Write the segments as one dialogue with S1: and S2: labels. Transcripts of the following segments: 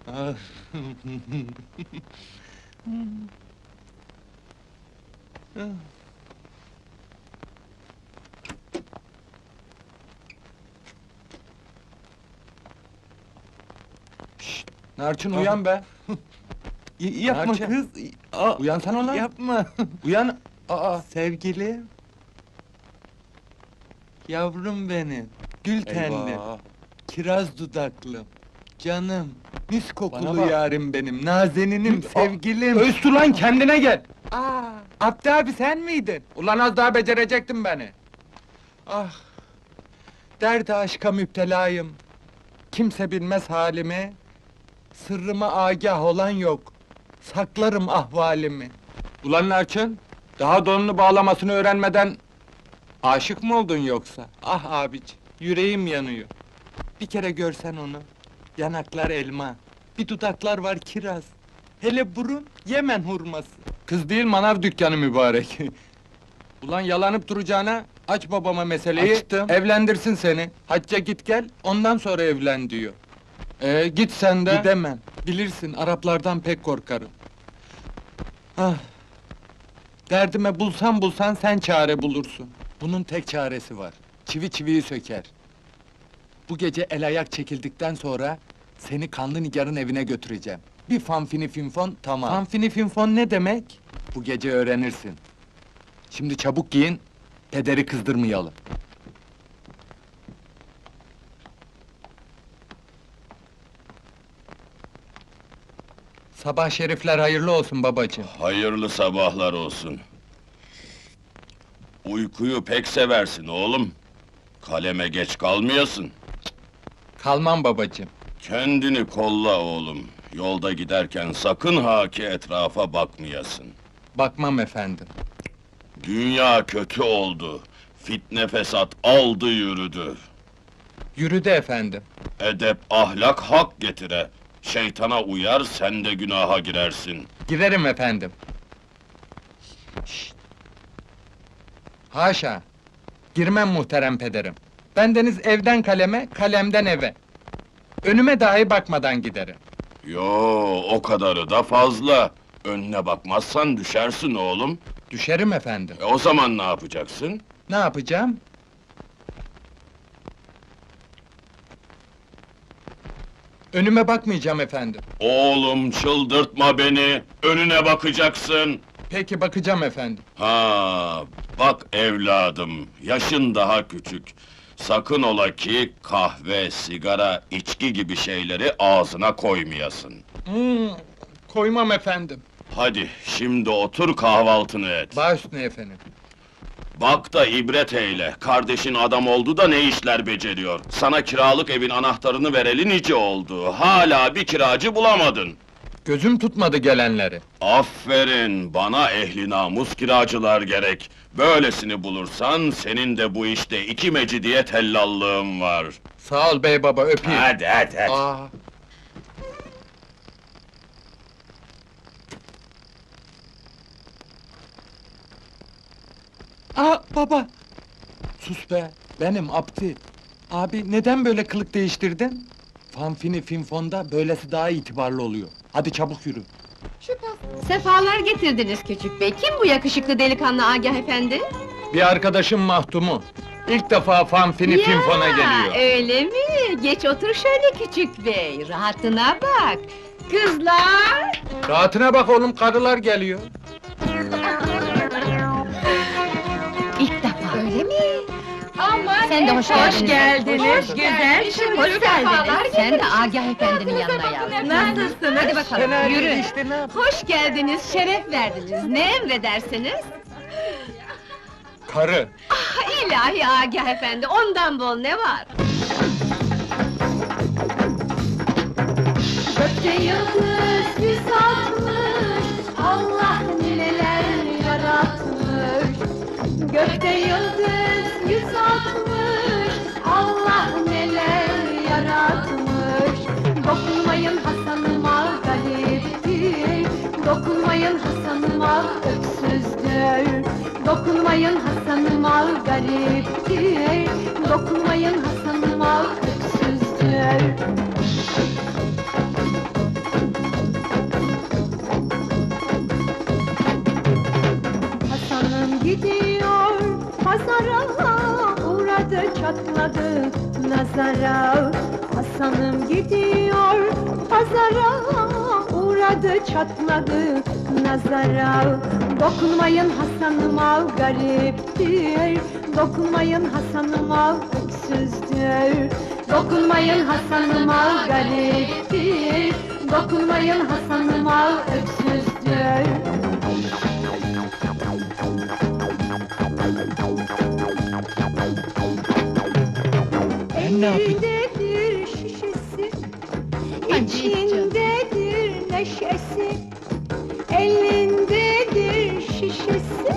S1: Ah.
S2: Narçın uyan be!
S1: Yapma
S2: Narçın.
S1: kız! Aa,
S2: Uyansana lan!
S1: yapma!
S2: Uyan! Aa!
S1: Sevgilim! Yavrum benim, gül tenlim,
S2: Eyvah!
S1: kiraz dudaklım, canım, mis
S2: Bana
S1: kokulu
S2: bak.
S1: yarim benim, nazeninim, sevgilim!
S2: Öztü lan, kendine gel!
S1: Aa, Abdi abi sen miydin?
S2: Ulan az daha becerecektin beni!
S1: Ah! Derde aşka müptelayım. Kimse bilmez halimi. Sırrıma agah olan yok. Saklarım ahvalimi.
S2: Ulan Narçın! Daha donunu bağlamasını öğrenmeden... Aşık mı oldun yoksa?
S1: Ah abici, yüreğim yanıyor. Bir kere görsen onu. Yanaklar elma, bir dudaklar var kiraz. Hele burun, Yemen hurması.
S2: Kız değil, manav dükkanı mübarek! Ulan yalanıp duracağına, aç babama meseleyi,
S1: Açtım.
S2: evlendirsin seni. Hacca git gel, ondan sonra evlen diyor. Git sen de.
S1: Gidemem, bilirsin Araplardan pek korkarım. Ah! Derdime bulsan sen çare bulursun. Bunun tek çaresi var, çivi çiviyi söker. Bu gece el ayak çekildikten sonra... ...seni kanlı nigarın evine götüreceğim. Bir fanfini finfon, tamam. Fanfini finfon ne demek? Bu gece öğrenirsin. Şimdi çabuk giyin, pederi kızdırmayalım. Sabah şerifler hayırlı olsun babacığım.
S3: Hayırlı sabahlar olsun. Uykuyu pek seversin oğlum. Kaleme geç kalmayasın.
S1: Kalmam babacığım.
S3: Kendini kolla oğlum. Yolda giderken sakın ha ki etrafa bakmayasın.
S1: Bakmam efendim.
S3: Dünya kötü oldu. Fitne fesat aldı yürüdü.
S1: Yürüdü efendim.
S3: Edep ahlak hak getire. Şeytana uyar sen de günaha girersin.
S1: Girerim efendim. Şşt! Haşa! Girmem muhterem pederim. Bendeniz evden kaleme, kalemden eve. Önüme dahi bakmadan giderim.
S3: Yo, o kadarı da fazla. Önüne bakmazsan düşersin oğlum.
S1: Düşerim efendim.
S3: O zaman ne yapacaksın?
S1: Ne yapacağım? Önüme bakmayacağım efendim.
S3: Oğlum çıldırtma beni, önüne bakacaksın.
S1: Peki bakacağım efendim.
S3: Ha, bak evladım, yaşın daha küçük. Sakın ola ki kahve, sigara, içki gibi şeyleri ağzına koymayasın.
S1: Koymam efendim.
S3: Hadi, şimdi otur kahvaltını et.
S1: Baş üstüne efendim.
S3: Bak da ibret eyle, kardeşin adam oldu da ne işler beceriyor. Sana kiralık evin anahtarını vereli nice oldu, hala bir kiracı bulamadın.
S1: Gözüm tutmadı gelenleri.
S3: Aferin, bana ehli namus kiracılar gerek. Böylesini bulursan, senin de bu işte iki mecidiyet tellallığın var.
S1: Sağ ol bey baba, öpeyim.
S3: Hadi.
S1: Aa, baba! Sus be, benim Abdi. Abi neden böyle kılık değiştirdin? Fanfini finfonda böylesi daha itibarlı oluyor. Hadi çabuk yürü.
S4: Sefalar getirdiniz küçük bey. Kim bu yakışıklı delikanlı Agah efendi?
S1: Bir arkadaşım Mahtum'u. İlk defa fanfini finfona geliyor.
S4: Öyle mi? Geç otur şöyle küçük bey. Rahatına bak. Kızlar!
S1: Rahatına bak oğlum, karılar geliyor.
S4: İlk defa. Öyle mi?
S5: Aman
S4: Sen de hoş geldiniz.
S5: Hoş geldiniz,
S4: Hoş
S5: güzel.
S4: Hoş geldiniz. Sen de Agah efendinin yanına yavrum.
S5: Nasılsınız?
S4: Hadi bakalım,
S1: Fena değil
S4: yürü.
S1: işte, ne yap-
S4: Hoş geldiniz, şeref verdiniz. Ne emredersiniz?
S1: Karı.
S4: Ah, ilahi Agah efendi, ondan bol ne var?
S5: Gökte yıldız 160, Allah neler yaratmış. Gökte yıldız 160, Allah neler yaratmış. Dokunmayın Hasan'ıma gariptir, dokunmayın Hasan'ıma öksüzdür. Dokunmayın Hasan'ıma gariptir, dokunmayın Hasan'ıma öksüzdür. çatladı nazara. Hasan'ım gidiyor pazara, uğradı çatladı nazara. Dokunmayın Hasan'ıma gariptir, dokunmayın Hasan'ıma öksüzdür. Dokunmayın Hasan'ıma gariptir, dokunmayın Hasan'ıma öksüzdür.
S1: Ben ne yapayım?
S5: Elindedir şişesi,
S4: Hadi
S5: içindedir neşesi. Elindedir şişesi,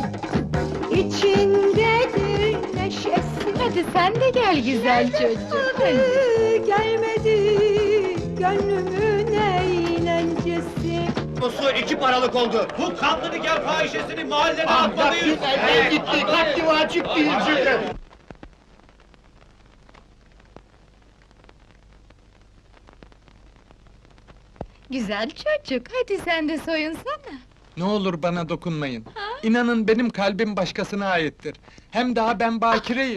S5: içindedir neşesi.
S4: Hadi sen de gel güzel çocuk. Hadi.
S5: Gelmedi gönlümün eğlencesi.
S6: Su 2 paralık oldu. Bu kanlı nikah fahişesini mahalleden
S2: Ah,
S6: atmalıyız.
S2: gitti, haddi vacip değil.
S4: Güzel çocuk, hadi sen de soyunsana.
S1: Ne olur bana dokunmayın. İnanın benim kalbim başkasına aittir. Hem daha ben bakireyim.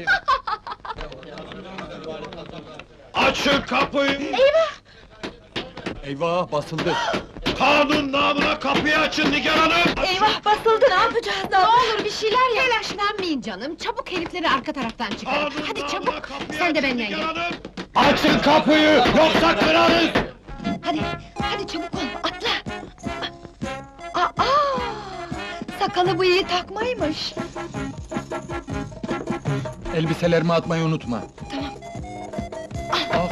S3: Açın kapıyı!
S1: Eyvah basıldı.
S3: Kanun namına kapıyı açın Nigar Hanım!
S4: Eyvah basıldı, ne yapacağız? Ne olur bir şeyler yap. Telaşlanmayın canım, çabuk herifleri arka taraftan çıkarın.
S3: Kanun
S4: Hadi
S3: namına
S4: çabuk,
S3: kapıyı
S4: sen de
S3: açın
S4: benimle
S3: Nigar
S4: gel.
S3: Hanım! Açın kapıyı, yoksa kırarız!
S4: Hadi, hadi çabuk ol, atla! Aa! Sakalı bıyığı takmaymış.
S1: Elbiselerimi atmayı unutma.
S4: Tamam.
S1: Ah,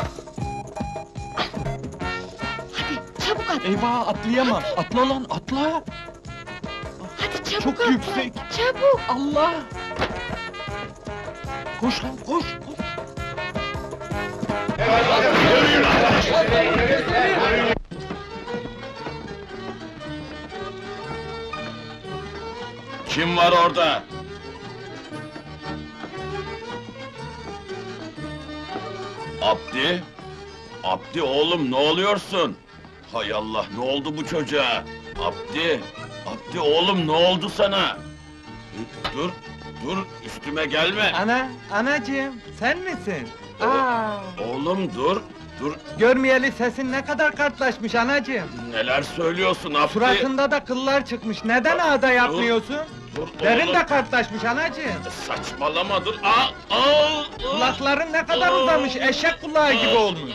S4: Hadi, çabuk at!
S1: eyvah atlayamam. Atla lan atla.
S4: Hadi çabuk
S1: Çok
S4: atla!
S1: yüksek.
S4: Çabuk!
S1: Allah! Koş lan koş.
S3: Kim var orada? Abdi? Abdi oğlum ne oluyorsun? Hay Allah ne oldu bu çocuğa? Abdi! Abdi oğlum ne oldu sana? Dur, dur üstüme gelme!
S1: Anacığım sen misin? Aa,
S3: Oğlum dur, dur
S1: görmeyeli sesin ne kadar kartlaşmış anacığım.
S3: neler söylüyorsun Abdi?
S1: Suratında da kıllar çıkmış. Neden ağda yapmıyorsun?
S3: Dur
S1: Derin
S3: oğlum.
S1: de kartlaşmış anacığım.
S3: Saçmalama dur! Aa!
S1: Kulakların ne kadar uzamış, eşek kulağı gibi olmuş.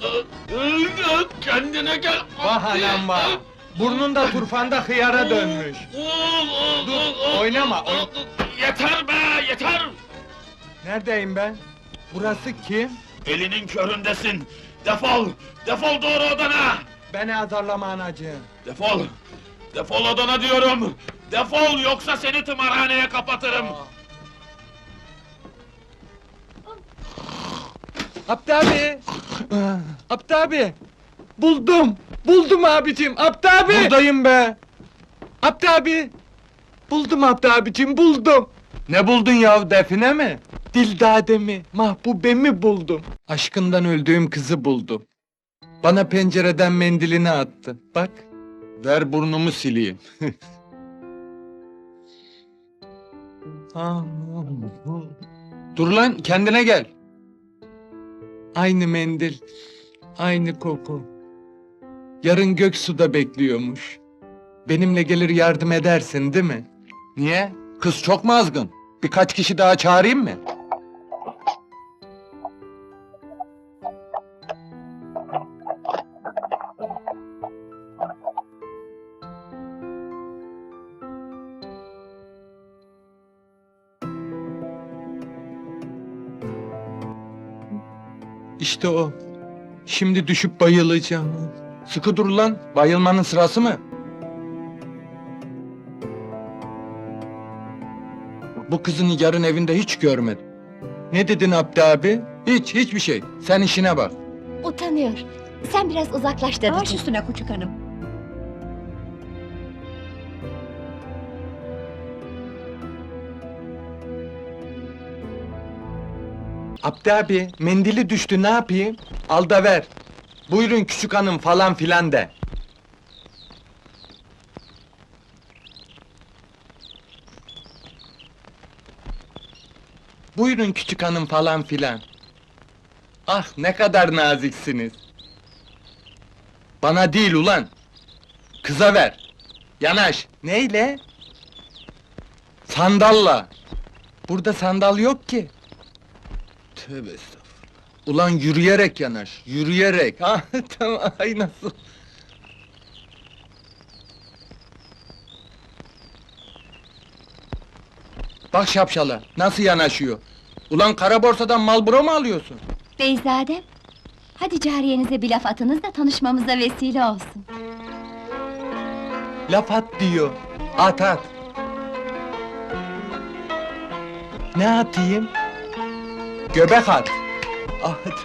S3: Kendine gel!
S1: Vah anam vah! Burnun da turfanda hıyara dönmüş. Dur, oynama,
S3: Yeter be, yeter!
S1: Neredeyim ben? Burası kim?
S3: Elinin köründesin! Defol! Defol doğru odana!
S1: Beni azarlama anacığım.
S3: Defol! Defol odana diyorum! Defol, yoksa seni tımarhaneye kapatırım!
S1: Abdi abi! Abdi abi! Buldum! Buldum abicim, Abdi abi! Buradayım be! Abdi abi! Buldum Abdi abicim, buldum! Ne buldun ya, define mi? Dildademi, mahbubemi buldum. Aşkından öldüğüm kızı buldum. Bana pencereden mendilini attı, bak. Ver burnumu sileyim. Dur lan, kendine gel! Aynı mendil, aynı koku. Yarın Göksu'da bekliyormuş. Benimle gelir yardım edersin, değil mi? Niye? Kız çok mu azgın? Birkaç kişi daha çağırayım mı? İşte o. Şimdi düşüp bayılacağım. Sıkı dur lan, bayılmanın sırası mı? Bu kızın yarın evinde hiç görmedim. Ne dedin Abdi abi? Hiçbir şey. Sen işine bak.
S4: Utanıyor. Sen biraz uzaklaş dedi. Baş üstüne küçük hanım.
S1: Abdi abi, mendili düştü, ne yapayım? Al da ver. Buyurun küçük hanım falan filan de. Buyurun küçük hanım falan filan. Ah, ne kadar naziksiniz! Bana değil ulan! Kıza ver! Yanaş! Neyle? Sandalla! Burada sandal yok ki! Tövbe estağfurullah! Ulan yürüyerek yanaş, yürüyerek! Ha, tamam, ay nasıl? Bak şapşala, nasıl yanaşıyor? Ulan kara borsadan Marlboro mu alıyorsun?
S7: Beyzadem, hadi cariyenize bir laf atınız da tanışmamıza vesile olsun.
S1: Laf at diyor. At at. Ne atayım? Göbek at. At.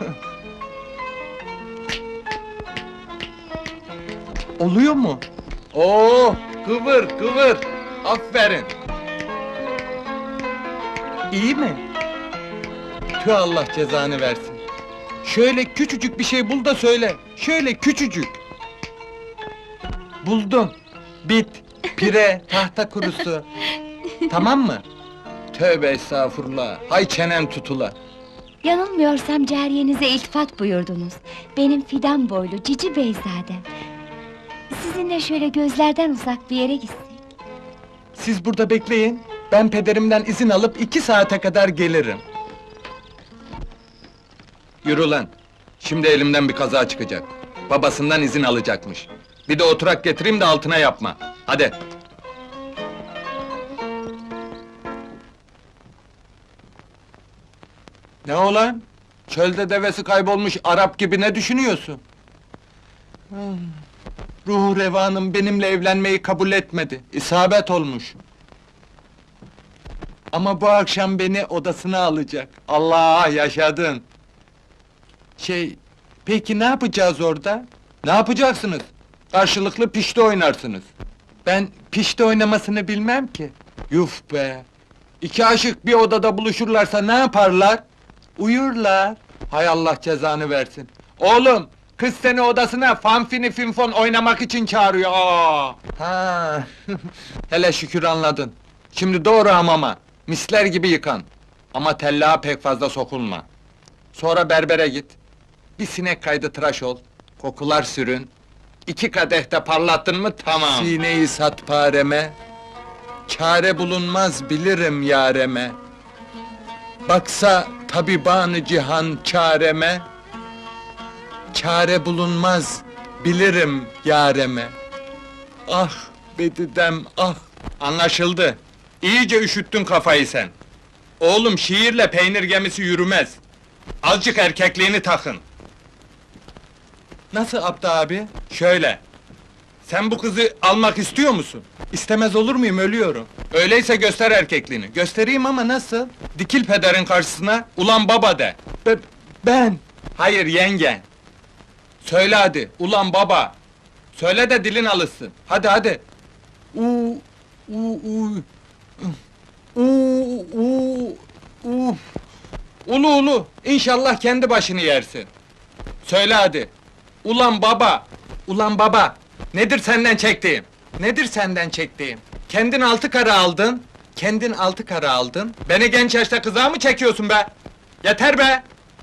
S1: Oluyor mu? Oo, kıvır kıvır. Aferin. İyi mi? Tüh, Allah cezanı versin. Şöyle küçücük bir şey bul da söyle. Şöyle küçücük. Buldum. Bit, pire, tahta kurusu. Tamam mı? Tövbe estağfurullah. Hay çenen tutula.
S7: Yanılmıyorsam cariyenize iltifat buyurdunuz. Benim fidan boylu cici beyzadem. Sizinle şöyle gözlerden uzak bir yere gitsek.
S1: Siz burada bekleyin. Ben pederimden izin alıp 2 saate kadar gelirim. Yürü lan. Şimdi elimden bir kaza çıkacak. Babasından izin alacakmış. Bir de oturak getireyim de altına yapma. Hadi. Ne olan? Çölde devesi kaybolmuş Arap gibi ne düşünüyorsun? Ruhu revanım benimle evlenmeyi kabul etmedi. İsabet olmuş. Ama bu akşam beni odasına alacak. Allah, yaşadın! Peki ne yapacağız orada? Ne yapacaksınız? Karşılıklı pişti oynarsınız. Ben pişti oynamasını bilmem ki. Yuf be! 2 aşık bir odada buluşurlarsa ne yaparlar? Uyurlar. Hay Allah cezanı versin. Oğlum, kız seni odasına fanfini finfon oynamak için çağırıyor. Aa! Ha. Hele şükür anladın. Şimdi doğru hamama. Misler gibi yıkan. Ama tellağa pek fazla sokulma. Sonra berbere git. Bir sinek kaydı tıraş ol. Kokular sürün. 2 kadeh de parlattın mı tamam. Sineyi sat pareme. Çare bulunmaz bilirim yareme. Baksa tabibanı cihan çareme. Çare bulunmaz bilirim yareme. Ah bedidem ah. Anlaşıldı. İyice üşüttün kafayı sen. Oğlum, şiirle peynir gemisi yürümez. Azıcık erkekliğini takın. Nasıl Abdi abi? Şöyle. Sen bu kızı almak istiyor musun? İstemez olur muyum, ölüyorum. Öyleyse göster erkekliğini. Göstereyim ama nasıl? Dikil pederin karşısına, ulan baba de. Ben? Hayır, yengen. Söyle hadi, ulan baba. Söyle de dilin alışsın. Hadi hadi. Ulu ulu, İnşallah kendi başını yersin. Söyle hadi. Ulan baba, ulan baba. Nedir senden çektiğim? Nedir senden çektiğim? Kendin 6 kara aldın. Kendin 6 kara aldın. Beni genç yaşta kıza mı çekiyorsun be? Yeter be!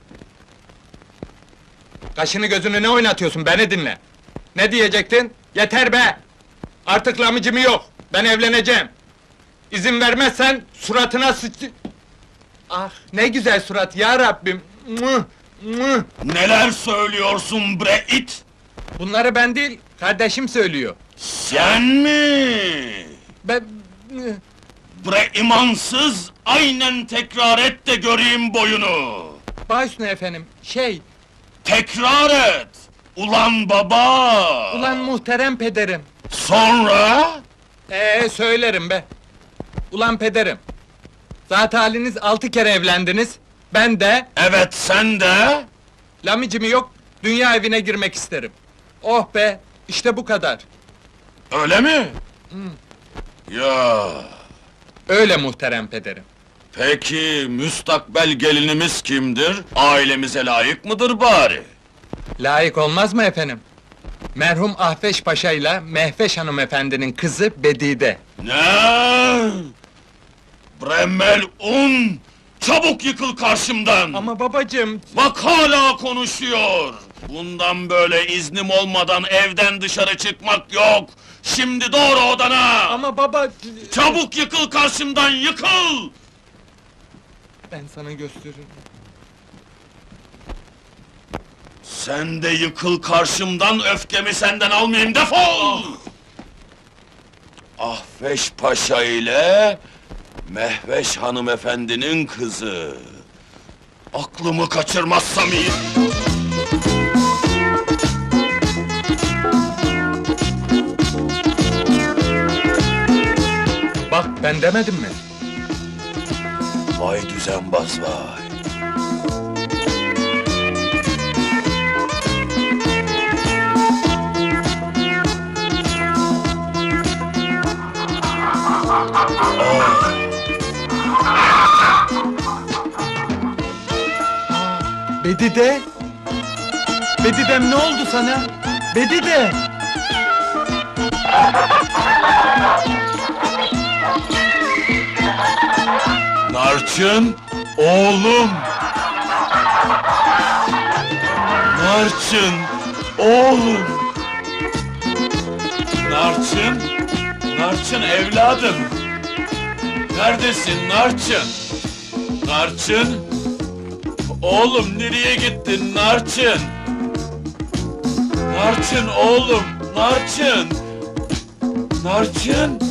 S1: Kaşını gözünü ne oynatıyorsun, beni dinle. Ne diyecektin? Yeter be! Artık lamıcımı yok, ben evleneceğim. İzin vermezsen suratına Ah, ne güzel surat ya Rabbim! Mıh, mıh!
S3: Neler söylüyorsun bre it?
S1: Bunları ben değil, kardeşim söylüyor.
S3: Sen mi?
S1: Ben...
S3: Bre imansız, aynen tekrar et de göreyim boyunu.
S1: Baş üstüne efendim,
S3: Tekrar et! Ulan baba!
S1: Ulan muhterem pederim!
S3: Sonra?
S1: Söylerim be! Ulan pederim! Zat haliniz 6 kere evlendiniz, ben de...
S3: Evet, sen de?
S1: Lamicimi yok, dünya evine girmek isterim. Oh be, işte bu kadar.
S3: Öyle mi? Ya,
S1: Öyle muhterem pederim.
S3: peki müstakbel gelinimiz kimdir? Ailemize layık mıdır bari?
S1: Layık olmaz mı efendim? Merhum Ahveş Paşa ile Mehveş hanımefendinin kızı Bedide.
S3: Ne? Bre melun! Çabuk yıkıl karşımdan!
S1: Ama babacığım...
S3: Bak hala konuşuyor! Bundan böyle iznim olmadan evden dışarı çıkmak yok! Şimdi doğru odana!
S1: Ama baba...
S3: Çabuk yıkıl karşımdan, yıkıl!
S1: Ben sana gösteririm.
S3: Sen de yıkıl karşımdan, öfkemi senden almayayım, defol! Ahveş Paşa ile Mehveş hanımefendinin kızı. Aklımı kaçırmazsam iyi.
S1: Bak ben demedim mi?
S3: Vay düzenbaz vay.
S1: Bedide! Bedidem ne oldu sana? Bedide!
S3: Narçın, oğlum! Narçın, oğlum! Narçın, Narçın evladım! Neredesin Narçın? Narçın! Oğlum nereye gittin Narçın? Narçın oğlum, Narçın! Narçın!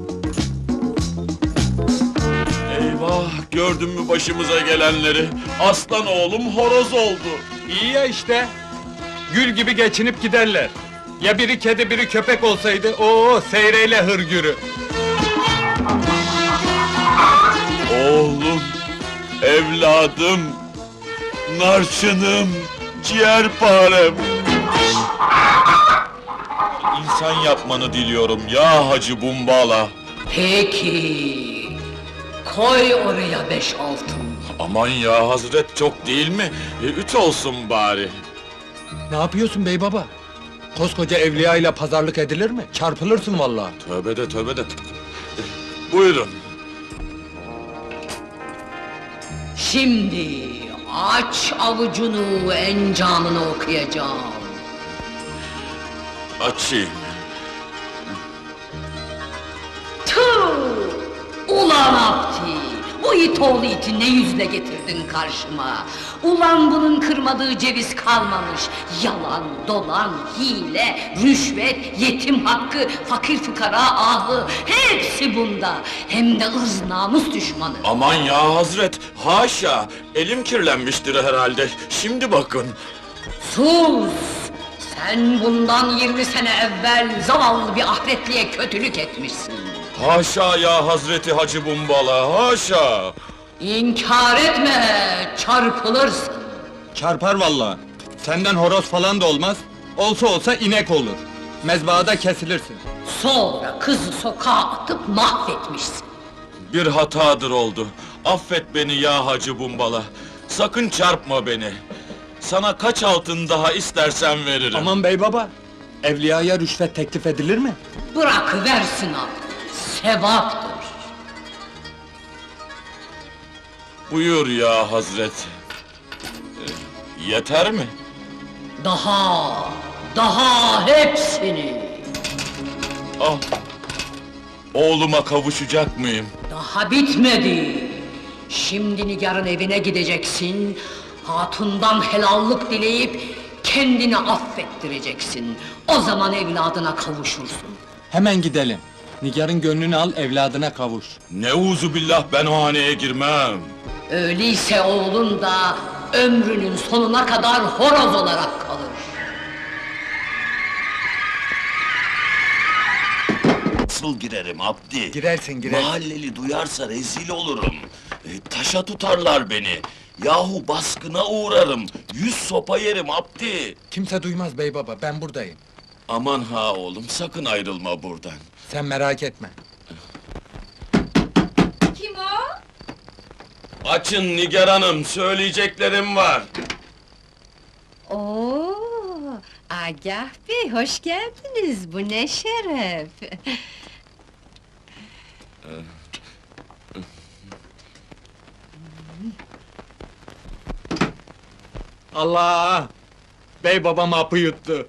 S3: Eyvah, gördün mü başımıza gelenleri? Aslan oğlum horoz oldu.
S1: İyi ya işte! Gül gibi geçinip giderler. Ya biri kedi biri köpek olsaydı, seyreyle hırgürü!
S3: Oğlum, evladım, narçınım, ciğerparem. İnsan yapmanı diliyorum ya Hacı Bumbala.
S8: Peki, koy oraya 5 altın.
S3: Aman ya Hazret, çok değil mi? 3 olsun bari.
S1: Ne yapıyorsun bey baba? Koskoca evliya ile pazarlık edilir mi? Çarpılırsın vallahi.
S3: Tövbe de tövbe de. Buyurun.
S8: Şimdi aç avucunu, encamını okuyacağım.
S3: Açayım.
S8: Tüh! Ulan Abdi! Bu it oğlu iti ne yüzle getirdin karşıma? Ulan bunun kırmadığı ceviz kalmamış. Yalan, dolan, hile, rüşvet, yetim hakkı, fakir fukara ahı, hepsi bunda. Hem de ırz namus düşmanı.
S3: Aman ya Hazret, haşa! Elim kirlenmiştir herhalde. Şimdi bakın.
S8: Sus! Sen bundan 20 sene evvel zavallı bir ahretliye kötülük etmişsin.
S3: Haşa ya Hazreti Hacı Bumbala, haşa!
S8: İnkar etme, çarpılırsın.
S1: Çarpar vallahi. Senden horoz falan da olmaz. Olsa olsa inek olur. Mezbahada kesilirsin.
S8: Sonra kızı sokağa atıp mahvetmişsin.
S3: Bir hatadır oldu. Affet beni ya Hacı Bumbala. Sakın çarpma beni. Sana kaç altın daha istersen veririm.
S1: Aman bey baba! Evliyaya rüşvet teklif edilir mi?
S8: Bırakıversin abi, sevaptır.
S3: Buyur ya Hazret. Yeter mi?
S8: Daha hepsini.
S3: Ah! Oğluma kavuşacak mıyım?
S8: Daha bitmedi. Şimdi Nigar'ın evine gideceksin, hatundan helallık dileyip kendini affettireceksin. O zaman evladına kavuşursun.
S1: Hemen gidelim. Nigar'ın gönlünü al, evladına kavuş.
S3: Neuzubillah, ben o haneye girmem.
S8: Öyleyse oğlun da ömrünün sonuna kadar horoz olarak kalır.
S3: Nasıl girerim Abdi?
S1: Girersin,
S3: Mahalleli duyarsa rezil olurum. Taşa tutarlar beni. Yahu baskına uğrarım. 100 sopa yerim Abdi.
S1: Kimse duymaz bey baba, ben buradayım.
S3: Aman ha oğlum, sakın ayrılma buradan.
S1: Sen merak etme.
S4: Kim o?
S3: Açın Nigar Hanım, söyleyeceklerim var.
S4: Oo, Agah Bey, hoş geldiniz. Bu ne şeref!
S1: Allah! Bey babam hapı yuttu.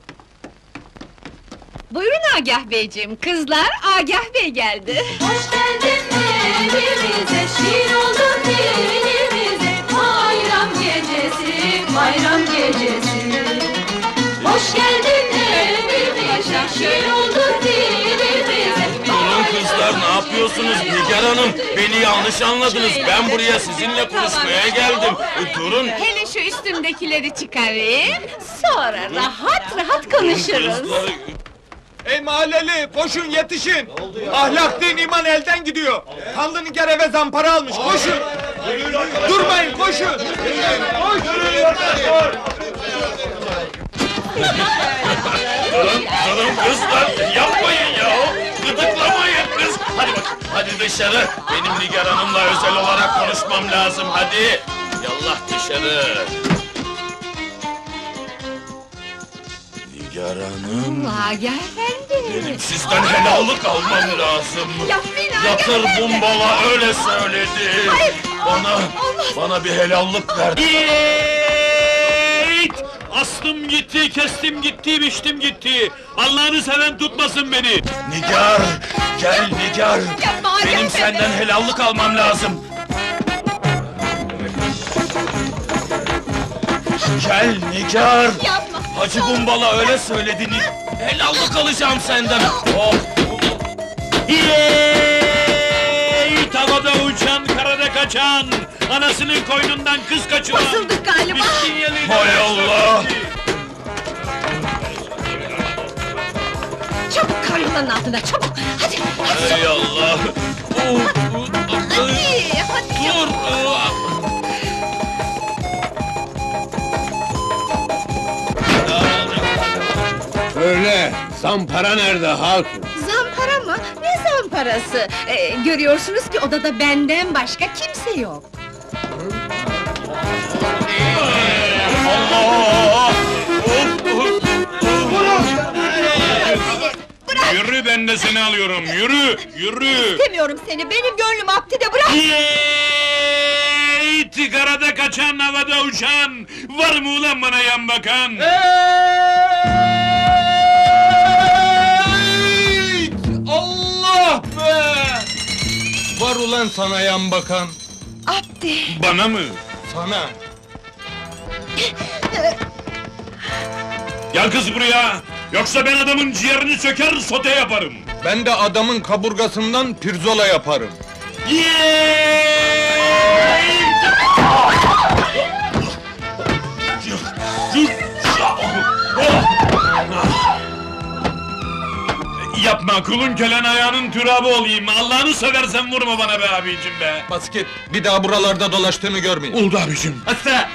S4: Buyurun Agah Beyciğim, kızlar Agah Bey geldi.
S5: Hoş geldin evimize, şiir oldun dilimize. Bayram gecesi, bayram gecesi. Hoş geldin evimize, şiir oldun dilimize.
S3: Durun kızlar, ne yapıyorsunuz Nigar Hanım? Beni yanlış anladınız. Ben buraya sizinle konuşmaya geldim. Durun.
S4: Hele şu üstümdekileri çıkarayım, sonra rahat rahat konuşuruz.
S3: Kızlar,
S1: Ey mahalleli, koşun yetişin! Ahlak, din, iman elden gidiyor! Kanlı Nigar eve zampara almış, koşun! Durmayın, koşun!
S3: durun kızlar, yapmayın ya! Gıdıklamayın kız! Hadi bak, hadi dışarı! Benim Nigar Hanım'la özel olarak konuşmam lazım, hadi! Yallah dışarı! Nigar Hanım...
S4: Agah Efendi!
S3: Benim sizden helallik almam lazım!
S4: Yapmayın Agah
S3: Yatır
S4: Efendi!
S3: bumbala öyle söyledi!
S4: Hayır!
S3: Bana bir helallik ver!
S9: Yiğit! Astım gitti, kestim gitti, biçtim gitti. Allah'ını seven tutmasın beni.
S3: Nigar! Gel Nigar!
S4: Yapma Agah
S3: Benim
S4: Efendi!
S3: senden helallik almam lazım! Gel Nigar!
S4: Yapma!
S3: Hacı Bumbala öyle söyledi helallik alacağım senden! Oh!
S9: Yiğit! Havada uçan, karada kaçan. Anasının koynundan kız kaçıran.
S4: Basıldık galiba!
S9: Miskin yeliğine
S3: Hay Allah!
S4: Çabuk karyolanın altına, çabuk! Hadi, hadi!
S3: Hay Allah!
S4: Hadi, hadi!
S3: Dur!
S1: Öyle, zampara nerede Hatun?
S4: Zampara mı? Ne zamparası? Görüyorsunuz ki odada benden başka kimse yok.
S3: Allah!
S9: Yürü, ben de seni alıyorum. Yürü, yürü.
S4: İstemiyorum seni, benim gönlüm Abdi'de, bırak!
S9: Yiğit! Karada kaçan, havada uçan. Var mı ulan bana yan bakan?
S1: Allah be! Var ulan sana yan bakan,
S4: Abdi!
S9: Bana mı?
S1: sana!
S9: Gel kız buraya! Yoksa ben adamın ciğerini söker, sote yaparım!
S1: Ben de adamın kaburgasından pirzola yaparım.
S9: Yapma, kulun kölen ayağının türabı olayım! Allah'ını seversen vurma bana be abicim be!
S1: Bas git, bir daha buralarda dolaştığını görmeyeyim.
S9: Oldu abicim! Hasta!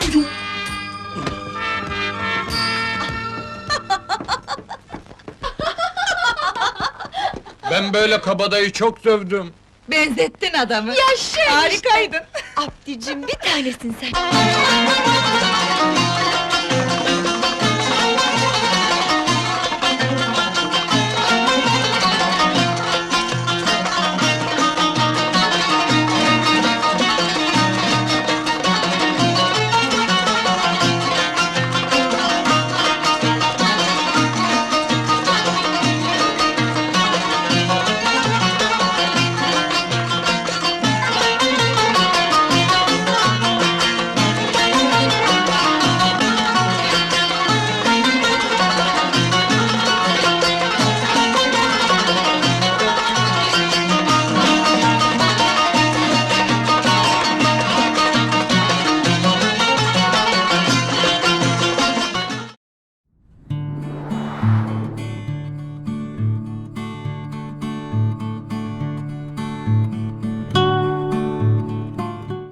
S1: Ben böyle kabadayı çok dövdüm.
S4: Benzettin adamı! Yaşa! Harikaydın!
S7: Abdicim bir tanesin sen.